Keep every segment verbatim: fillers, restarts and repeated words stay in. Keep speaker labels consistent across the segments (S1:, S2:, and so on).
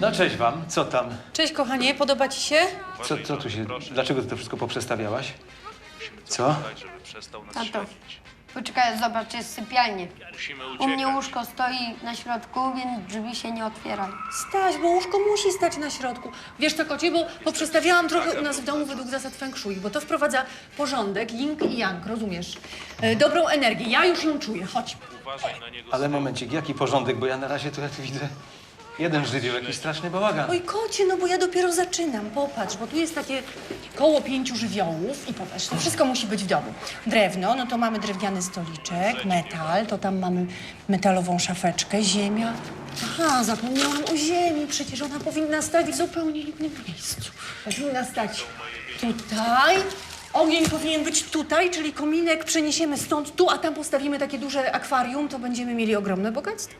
S1: No cześć wam, co tam?
S2: Cześć, kochanie, podoba ci się?
S1: Co, co tu się, dlaczego ty to wszystko poprzestawiałaś? Co?
S3: Tato, poczekaj, zobacz, jest sypialnie. U mnie łóżko stoi na środku, więc drzwi się nie otwierają.
S2: Staś, bo łóżko musi stać na środku. Wiesz co, kocie, bo poprzestawiałam trochę u nas w domu według zasad feng shui, bo to wprowadza porządek, yin i yang, rozumiesz? E, dobrą energię, ja już ją czuję, chodź.
S1: Ale momencik, jaki porządek, bo ja na razie to ja tu widzę jeden żywioł, jakiś straszny bałagan.
S2: Oj, kocie, no bo ja dopiero zaczynam, popatrz, bo tu jest takie koło pięciu żywiołów i popatrz, to wszystko musi być w domu. Drewno, no to mamy drewniany stoliczek, metal, to tam mamy metalową szafeczkę, ziemia. Aha, zapomniałam o ziemi, przecież ona powinna stać w zupełnie innym miejscu. Powinna stać tutaj. Ogień powinien być tutaj, czyli kominek przeniesiemy stąd tu, a tam postawimy takie duże akwarium, to będziemy mieli ogromne bogactwo.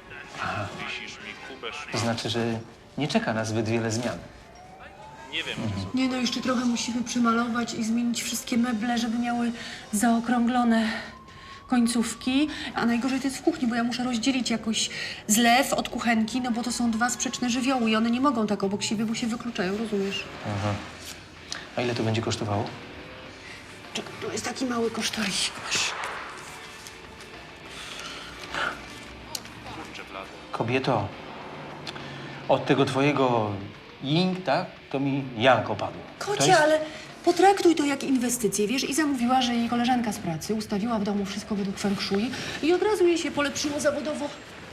S1: To znaczy, że nie czeka nas zbyt wiele zmian.
S2: Nie no, jeszcze trochę musimy przymalować i zmienić wszystkie meble, żeby miały zaokrąglone końcówki. A najgorzej to jest w kuchni, bo ja muszę rozdzielić jakoś zlew od kuchenki, no bo to są dwa sprzeczne żywioły i one nie mogą tak obok siebie, bo się wykluczają, rozumiesz?
S1: Aha. A ile to będzie kosztowało?
S2: Czekaj, tu jest taki mały kosztorysik, masz.
S1: Kobieto, od tego twojego ying, tak, to mi yang opadło. To
S2: Kocie,
S1: jest-
S2: ale potraktuj to jak inwestycję, wiesz? I zamówiła, że jej koleżanka z pracy ustawiła w domu wszystko według feng shui i od razu jej się polepszyło zawodowo.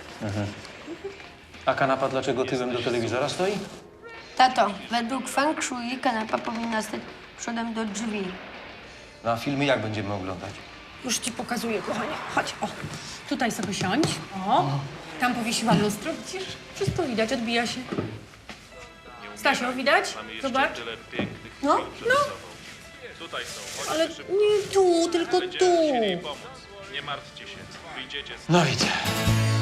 S1: A kanapa dlaczego tyłem do telewizora stoi?
S3: Tato, według feng shui kanapa powinna stać przodem do drzwi.
S1: No a filmy jak będziemy oglądać?
S2: Już ci pokazuję, kochanie. Chodź, o. Tutaj sobie siądź. O. Tam powiesiłam lustro, widzisz? Wszystko widać, odbija się. Stasio, widać? Zobacz. No, no.
S4: Tutaj są.
S2: Ale nie tu, tylko tu.
S4: Nie martwcie się. Wyjdziecie z
S1: No widzę.